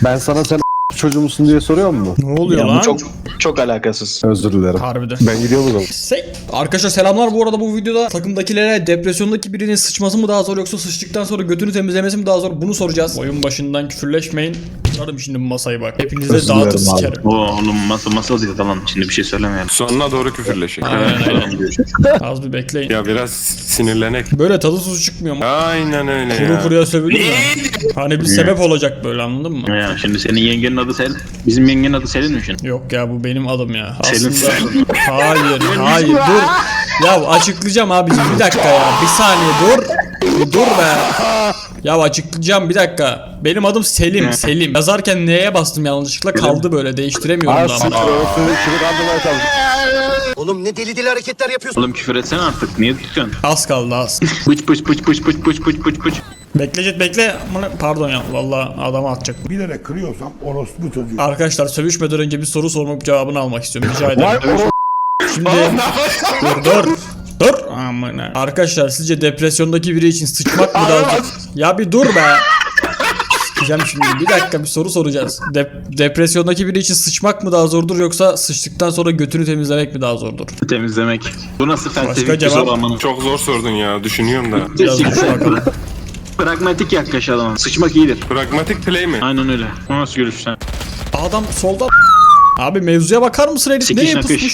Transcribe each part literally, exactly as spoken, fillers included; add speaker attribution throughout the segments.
Speaker 1: Ben sana sen çocuğu musun diye soruyor mu?
Speaker 2: Ne oluyor
Speaker 3: Ya
Speaker 2: lan?
Speaker 3: bu çok çok alakasız.
Speaker 1: Özür dilerim.
Speaker 2: Harbiden.
Speaker 1: Ben gidiyorum o zaman.
Speaker 2: Sey. Arkadaşlar selamlar, bu arada bu videoda takımdakilere depresyondaki birinin sıçması mı daha zor yoksa sıçtıktan sonra götünü temizlemesi mi daha zor, bunu soracağız. Oyun başından küfürleşmeyin. Yardım şimdi bu masayı bak. Hepinize
Speaker 1: Özür
Speaker 2: dağıtır
Speaker 1: dilerim abi.
Speaker 2: sikerim.
Speaker 3: Oo, oğlum masa masa değil tamam, şimdi bir şey söylemeyelim.
Speaker 4: Sonuna doğru küfürleşin.
Speaker 2: Aynen aynen. Az bir bekleyin.
Speaker 4: Ya biraz sinirlenek.
Speaker 2: Böyle tadı tuzu çıkmıyor mu?
Speaker 4: Aynen öyle
Speaker 2: Kuru
Speaker 4: ya.
Speaker 2: kuruya sövülür mü? Hani bir sebep olacak böyle, anladın mı?
Speaker 3: Ya şimdi senin yengenin adı Sel. Bizim yengenin adı Selin mi şimdi?
Speaker 2: Yok ya, bu benim adım ya.
Speaker 3: Selin
Speaker 2: Aslında
Speaker 3: Selin.
Speaker 2: hayır hayır dur. Ya açıklayacağım abicim, bir dakika ya. Bir saniye dur. Bir dur be. Ya açıklayacağım, bir dakika. Benim adım Selim. Selim. Yazarken neye bastım yanlışlıkla, kaldı böyle, değiştiremiyorum
Speaker 1: Aa
Speaker 2: da
Speaker 1: sıçra
Speaker 2: ama.
Speaker 1: öptü. Kimi kandırmaya çalıştın?
Speaker 5: Oğlum ne deli deli hareketler yapıyorsun.
Speaker 3: Oğlum küfür etsene artık, niye tutuyorsun?
Speaker 2: Az kaldı az.
Speaker 3: Pıç pıç pıç pıç pıç pıç pıç pıç pıç.
Speaker 2: Bekle Jet, bekle. Aman, pardon ya, vallahi adamı atacak.
Speaker 6: Bilerek kırıyorsam orospu çocuğu.
Speaker 2: Arkadaşlar sövüşmeden önce bir soru sormak, cevabını almak istiyorum. Rica
Speaker 1: Vay
Speaker 2: ederim.
Speaker 1: oğlum.
Speaker 2: Şimdi dur dur. Dur. Aman ha. Arkadaşlar sizce depresyondaki biri için sıçmak mı daha zor? Ya bir dur be. Sikeceğim şimdi. Bir dakika, bir soru soracağız. Dep- depresyondaki biri için sıçmak mı daha zordur yoksa sıçtıktan sonra götünü temizlemek mi daha zordur?
Speaker 3: Temizlemek. Bu nasıl
Speaker 2: Başka
Speaker 3: felsefi bir
Speaker 2: cevap?
Speaker 3: soru amanın?
Speaker 4: Çok zor sordun ya. Düşünüyorum da.
Speaker 2: Biraz düşün bakalım.
Speaker 3: Pragmatik yaklaşalım. Sıçmak iyidir.
Speaker 4: Pragmatik play mi?
Speaker 3: Aynen öyle. O nasıl görüş sen?
Speaker 2: Adam solda. Abi mevzuya bakar mısın herif?
Speaker 3: Sikiş
Speaker 2: Neye
Speaker 3: nakış.
Speaker 2: pusmuş?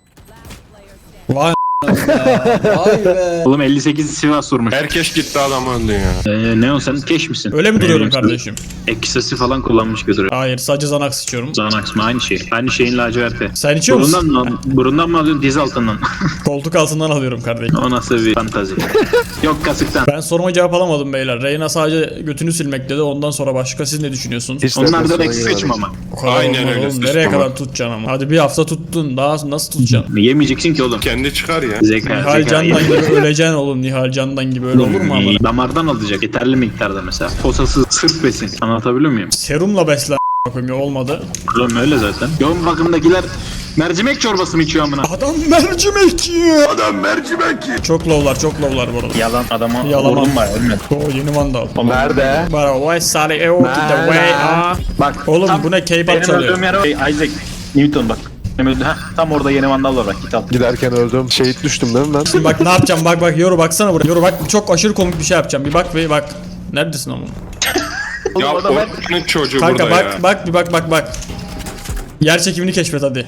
Speaker 2: Vay Vay be.
Speaker 3: Oğlum elli sekiz Sivas vurmuş.
Speaker 4: Herkes gitti, adam öldü ya.
Speaker 3: Ee, ne o, sen keş misin?
Speaker 2: Öyle mi duruyorum
Speaker 3: Benim
Speaker 2: kardeşim?
Speaker 3: Eksesi falan kullanmış götürüyor.
Speaker 2: Hayır, sadece zanak sıçıyorum.
Speaker 3: Xanax mı? Aynı şey. Aynı şeyin laciverti.
Speaker 2: Sen içiyor musun?
Speaker 3: Burundan mı, burundan mı alıyorsun, diz altından?
Speaker 2: Koltuk altından alıyorum kardeşim.
Speaker 3: O nasıl bir fantazi? Yok kasıktan.
Speaker 2: Ben soruma cevap alamadım beyler. Reyna sadece götünü silmek dedi. Ondan sonra başka, siz ne düşünüyorsunuz?
Speaker 1: Hiç
Speaker 3: Onlar da
Speaker 1: depresyona
Speaker 3: eksi
Speaker 1: girmedik.
Speaker 3: sıçmama.
Speaker 2: O kadar
Speaker 4: Aynen
Speaker 2: olmaz
Speaker 4: öyle,
Speaker 2: oğlum.
Speaker 4: sıçtım
Speaker 2: Nereye
Speaker 4: ama.
Speaker 2: kadar tutacaksın ama? Hadi bir hafta tuttun. Daha nasıl tutacaksın?
Speaker 3: Yemeyeceksin ki oğlum.
Speaker 4: Kendi çıkar ya.
Speaker 3: Zeka,
Speaker 2: Nihal
Speaker 3: zeka.
Speaker 2: Candan gibi öleceksin oğlum. Nihal Candan gibi, öyle olur mu ama?
Speaker 3: Damardan alacak yeterli miktarda mesela. Posasız sırf besin. Anlatabiliyor muyum?
Speaker 2: Serumla beslen a**ım, olmadı.
Speaker 3: Oğlum öyle zaten. Yoğun bakımdakiler mercimek çorbası mı içiyor amına?
Speaker 2: Adam mercimek yiyor. Adam mercimek yiyor. Çok lowlar, çok lowlar bu arada.
Speaker 3: Yalan adama
Speaker 2: Yalan.
Speaker 3: vurdum var ölmedi.
Speaker 2: Oo, yeni vandal.
Speaker 1: Nerede?
Speaker 2: Bara why sally e o to the way ah.
Speaker 3: Bak
Speaker 2: Oğlum
Speaker 3: tam
Speaker 2: bu ne, K-pop
Speaker 3: benim
Speaker 2: çalıyor.
Speaker 3: öldüğüm yer o. Hey, Isaac Newton bak. Benim öldüğüm- Heh, tam orada yeni vandal var bak, git al.
Speaker 1: Giderken öldüm. Şehit düştüm değil mi ben?
Speaker 2: Şimdi bak ne yapacağım, bak bak yoru, baksana buraya. Yoru bak, çok aşırı komik bir şey yapacağım. Bir bak bir bak. Neredesin ama?
Speaker 4: Ya
Speaker 3: adam ben-
Speaker 4: Orkun'un çocuğu
Speaker 2: Kanka
Speaker 4: burada
Speaker 2: bak
Speaker 4: ya.
Speaker 2: bak bir bak bak bak. Yer çekimini keşfet hadi.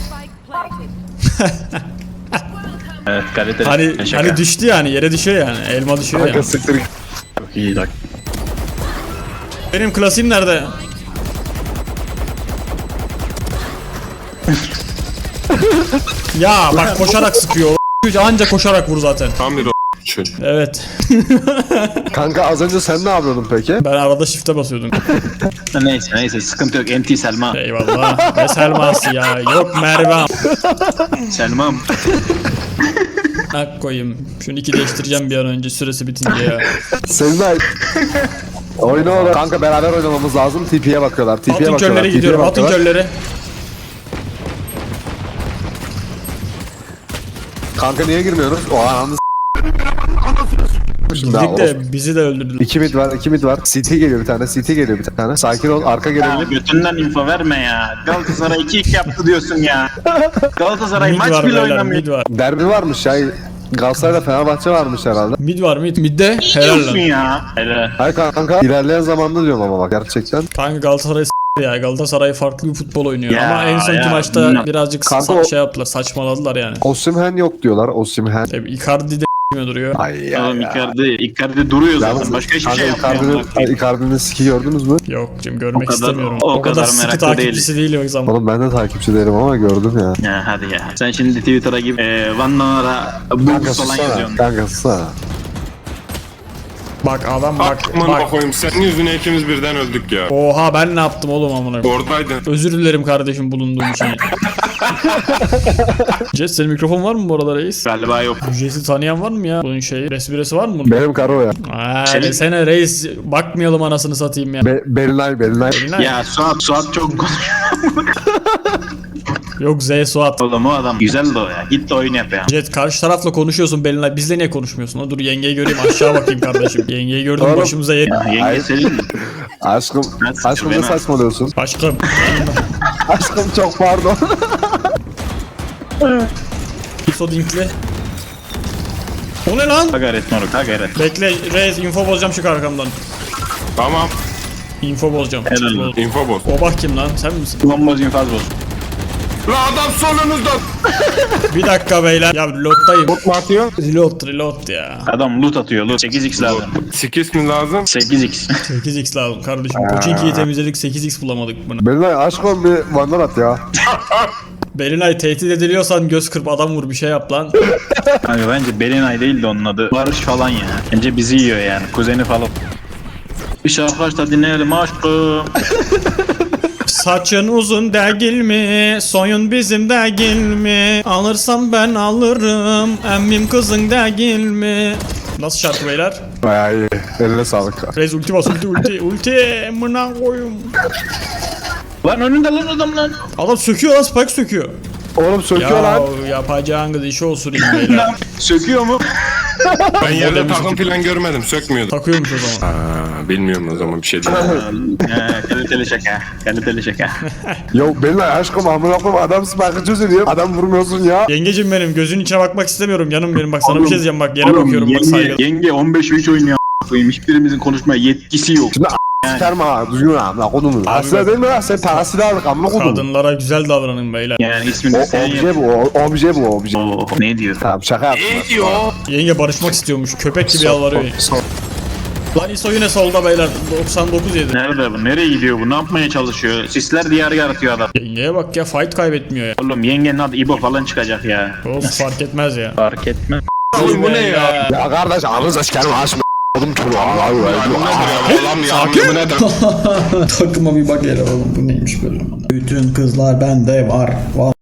Speaker 3: Evet kaliteli.
Speaker 2: Hani
Speaker 3: Şaka.
Speaker 2: hani düştü yani, yere düşüyor yani. Elma düşüyor
Speaker 1: Kanka
Speaker 2: yani.
Speaker 1: siktir.
Speaker 3: Çok iyi bak.
Speaker 2: Benim klasiğim nerede? Ya bak koşarak sıkıyor. O anca koşarak vur zaten.
Speaker 4: Tam bir o çocuk.
Speaker 2: Evet.
Speaker 1: Kanka az önce sen ne yapıyordun peki?
Speaker 2: Ben arada shift'e basıyordum.
Speaker 3: Neyse neyse sıkıntı yok. Enti Selma.
Speaker 2: Eyvallah. Ne Selması ya. Yok Merve.
Speaker 3: Selma'm.
Speaker 2: Hak koyayım. Şunu iki değiştireceğim bir an önce, süresi bitince ya.
Speaker 1: Seninle oyna oğlum. Kanka beraber oynamamız lazım. T P'ye bakıyorlar. T P'ye
Speaker 2: Altın
Speaker 1: bakıyorlar.
Speaker 2: körlere gidiyorum. Altın körleri.
Speaker 1: Kanka niye girmiyoruz? O ananı s***. Şimdi
Speaker 2: Gittik
Speaker 1: orospu.
Speaker 2: de bizi de öldürdüler.
Speaker 1: İki mid var, iki mid var. C T geliyor bir tane, C T geliyor bir tane. Sakin ol, arka
Speaker 3: Ya
Speaker 1: gelebilir.
Speaker 3: götünden info verme ya. Galatasaray iki iki yaptı diyorsun ya. Galatasaray
Speaker 2: Mid
Speaker 3: maç
Speaker 2: var
Speaker 3: bile
Speaker 2: beyler,
Speaker 3: oynamıyor.
Speaker 2: mid var.
Speaker 1: Derbi varmış ya. Galatasaray'la Fenerbahçe varmış herhalde.
Speaker 2: Mid var mid. Midde
Speaker 3: Ne
Speaker 2: helal
Speaker 3: diyorsun
Speaker 2: lan.
Speaker 3: ya? Hele.
Speaker 1: Hayır kanka, ilerleyen zamanda diyorum ama bak gerçekten.
Speaker 2: Kanka Galatasaray s- ya. Galatasaray farklı bir futbol oynuyor.
Speaker 3: Ya,
Speaker 2: Ama en sonki
Speaker 3: ya,
Speaker 2: maçta
Speaker 3: bilmem.
Speaker 2: birazcık
Speaker 1: Kanka
Speaker 2: sa-
Speaker 1: o-
Speaker 2: şey yaptılar, saçmaladılar yani.
Speaker 1: Osimhen yok diyorlar, Osimhen.
Speaker 2: Tabii Icardi de s**miyor duruyor.
Speaker 1: Ay ya
Speaker 3: Oğlum
Speaker 1: ya.
Speaker 3: Icardi, Icardi duruyor zaten.
Speaker 1: Yalnız
Speaker 3: Başka hiçbir
Speaker 1: kanka
Speaker 3: şey yapmıyor.
Speaker 1: Icardi'nin,
Speaker 3: amına koyayım.
Speaker 1: Icardi'nin siki gördünüz mü?
Speaker 2: Yok cim, görmek
Speaker 3: O kadar-
Speaker 2: istemiyorum.
Speaker 3: o
Speaker 2: O, kadar,
Speaker 3: kadar
Speaker 2: sıkı
Speaker 3: meraklı
Speaker 2: takipçisi değil o zaman.
Speaker 1: Oğlum ben de takipçi değilim ama gördüm ya.
Speaker 3: Ya hadi ya. Sen şimdi Twitter'a gibi e, Van Nanara
Speaker 1: Kanka
Speaker 3: Bulls falan
Speaker 1: sussana,
Speaker 3: yazıyorsun.
Speaker 1: kanka sussana.
Speaker 2: Bak adam bak
Speaker 4: Aman
Speaker 2: bak.
Speaker 4: bakayım, senin yüzüne ikimiz birden öldük ya.
Speaker 2: Oha, ben ne yaptım oğlum amına koyayım?
Speaker 4: Oradaydın.
Speaker 2: Özür dilerim kardeşim bulunduğum için. Jess, senin mikrofon var mı bu arada reis?
Speaker 3: Galiba yok.
Speaker 2: Jess'i tanıyan var mı ya? Bunun şeyi, resmiresi var mı bunun?
Speaker 1: Benim karo ya.
Speaker 2: Aa,
Speaker 3: Senin-
Speaker 2: sene reis, bakmayalım anasını satayım ya.
Speaker 1: Be Belinay, Belinay.
Speaker 2: Belinay.
Speaker 3: Ya Suat, Suat çok konuşuyor.
Speaker 2: Yok Z Suat.
Speaker 3: Oğlum o adam güzel de o ya. Git de oyun yap ya.
Speaker 2: Jet, karşı tarafla konuşuyorsun Belinay. Bizle niye konuşmuyorsun? O dur yengeyi göreyim, aşağı bakayım kardeşim. Yengeyi gördüm,
Speaker 1: Oğlum.
Speaker 2: başımıza yer.
Speaker 3: Ya yenge
Speaker 1: Hayır.
Speaker 3: senin mi?
Speaker 1: Aşkım,
Speaker 3: Ben
Speaker 1: aşkım ne
Speaker 3: sıkıyorum, ben-
Speaker 1: saçmalıyorsun?
Speaker 2: Aşkım.
Speaker 1: Aşkım çok pardon.
Speaker 2: İso dinkli. O ne lan?
Speaker 3: Ha gayret moruk ha gayret.
Speaker 2: Bekle Reis info bozacağım çık arkamdan.
Speaker 4: Tamam.
Speaker 2: Info bozacağım.
Speaker 3: Helal olsun.
Speaker 4: Info boz.
Speaker 2: O bak kim lan sen misin?
Speaker 3: Bomboz infaz boz.
Speaker 4: La adam solunuzda.
Speaker 2: Bir dakika beyler. Ya reload'dayım.
Speaker 4: Bot mu atıyor?
Speaker 2: Reload reload ya.
Speaker 3: Adam loot atıyor loot. sekiz x lazım.
Speaker 4: Skis mi lazım?
Speaker 3: sekiz x.
Speaker 2: sekiz x lazım kardeşim. Pochinki'yi temizledik sekiz x bulamadık bunu.
Speaker 1: Benimle aşkım bir vandal at ya.
Speaker 2: Belinay tehdit ediliyorsan göz kırp adam vur bir şey yap lan.
Speaker 3: Kanka bence Belinay değil de onun adı. Barış falan ya. Bence bizi yiyor yani. Kuzeni falan. Bir şarkı aç da dinleyelim aşkım.
Speaker 2: Saçın uzun değil mi? Soyun bizim değil mi? Alırsam ben alırım. Emmim kızın değil mi? Nasıl şarkı beyler?
Speaker 1: Bayağı iyi. Eline sağlık.
Speaker 2: Reis ulti bas ulti ulti ulti mına koyum.
Speaker 3: Lan önünde lan adam lan.
Speaker 2: Adam söküyor lan spike söküyor.
Speaker 1: Oğlum söküyor
Speaker 2: Ya
Speaker 1: lan.
Speaker 2: yapacağınız işi olsun beyler.
Speaker 3: Söküyor mu?
Speaker 4: Ben yerde
Speaker 2: Modelimiz
Speaker 4: takım falan görmedim. Sökmüyordu.
Speaker 2: Takıyormuş o zaman.
Speaker 4: Aa, bilmiyorum o zaman bir şey değil.
Speaker 3: He kaliteli şaka. Kaliteli şaka.
Speaker 1: Yo benimle aşkım amına koyayım adam spike'ı çözülüyor. Adam vurmuyorsun ya.
Speaker 2: Yengecim benim gözün içine bakmak istemiyorum canım benim bak sana bir şey diyeceğim bak yere bakıyorum bak
Speaker 3: yenge,
Speaker 2: saygılı.
Speaker 3: yenge on beş üç oynuyor a**ına koyayım. Hiçbirimizin konuşmaya yetkisi yok.
Speaker 1: Şimdi sikerim ha. Düzgün amına kodumu. Aslında değil mi lan? Sen parasını aldık amına kodumu.
Speaker 2: Kadınlara güzel davranın beyler.
Speaker 3: Yani ismini
Speaker 1: O
Speaker 3: sen yap.
Speaker 1: obje bu. o- Obje bu obje.
Speaker 3: Oo, ne diyor?
Speaker 1: Tamam şaka yaptım.
Speaker 2: Yenge barışmak istiyormuş köpek gibi yalvarıyor.
Speaker 1: Son-
Speaker 2: Lan İso yine solda beyler doksan dokuz yedi.
Speaker 3: Nerede bu? Nereye gidiyor bu? Ne yapmaya çalışıyor? Sisler diyarı yaratıyor adam.
Speaker 2: Yengeye bak ya fight kaybetmiyor ya.
Speaker 3: Oğlum yengenin adı İbo falan çıkacak ya.
Speaker 2: Olsun fark etmez ya.
Speaker 3: Fark etme.
Speaker 4: Oğlum bu ne ya?
Speaker 1: Ya kardeş ağzınıza sikerim açma. Oğlum çocuğu Allah'u
Speaker 4: Bu nedir ya? Allah'ım ya. Bu nedir?
Speaker 2: Takıma bir bak hele oğlum bu neymiş böyle. Bütün kızlar bende var.